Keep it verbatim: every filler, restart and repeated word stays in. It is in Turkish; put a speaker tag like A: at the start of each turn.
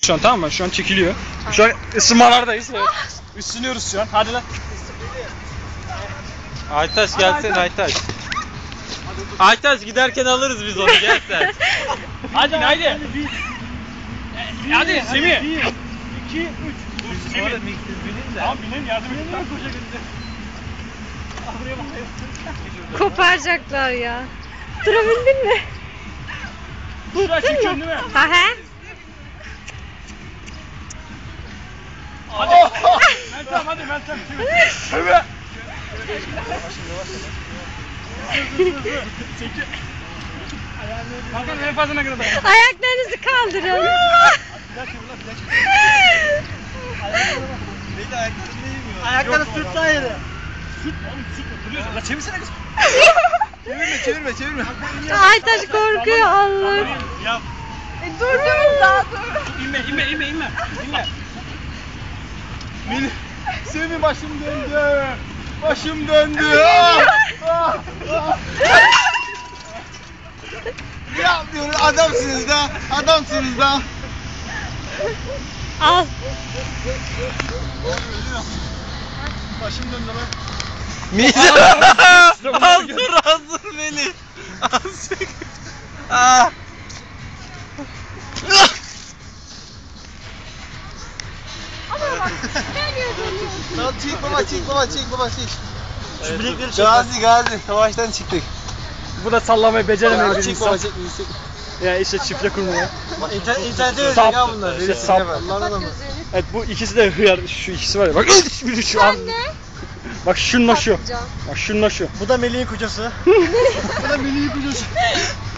A: Şu an tamam mı? Şu an çekiliyor. Şu an ısınmalardayız. Evet. Isınıyoruz şu an. Hadi lan.
B: Aytaş gelsin Aytaş. Aytaş giderken alırız biz onu, gel sen.
A: Hadi haydi. Hadi Semih.
C: bir, iki, üç.
A: Dur Semih. Tamam binelim, yardım edin.
D: Koparacaklar ya. Durabildin mi?
A: Şuraya çekiyorsun değil mi?
D: Ha he.
A: Hadi. Meltem hadi Meltem. Evet. Çekil. Bakalım en fazla ne kadar dayanır.
D: Ayaklarınızı kaldırın.
C: Ayakları sürtsaydı.
A: Süt oğlum süt duruyorsun. La çevirsene kız.
C: Çevirme çevirme çevirme.
D: Aytaş korkuyor Allah.
A: Yap.
D: Durdurun daha dur.
A: İnme inme inme inme. İnme.
C: Beni Semih başım döndü. Başım döndü. Ah! Ah! Ah! Ne yapıyorsun? Adamsınız da. Adamsınız da.
D: Al.
C: Başım döndü lan.
B: Hazır hazır beni. Hazır. Ah.
C: Tamam çek baba çek baba çek baba çek.
A: Şu bilekleri çek.
C: Gazi gazi savaştan çıktık.
A: Bu da sallamayı beceremeyen bir
C: Çek baba
A: insan.
C: çek çek.
A: Ya işte çifte kurmaya.
C: İnternet internete
A: Sap.
C: verecek ya bunlar.
A: İşte sap.
C: Allah'ın adamı.
A: Evet bu ikisi de hıyar. Şu ikisi var ya. Bak biri şu an. Bak şununla şu. Bak şununla şu.
C: Bu da Melih'in kocası. Bu da Melih'in kocası.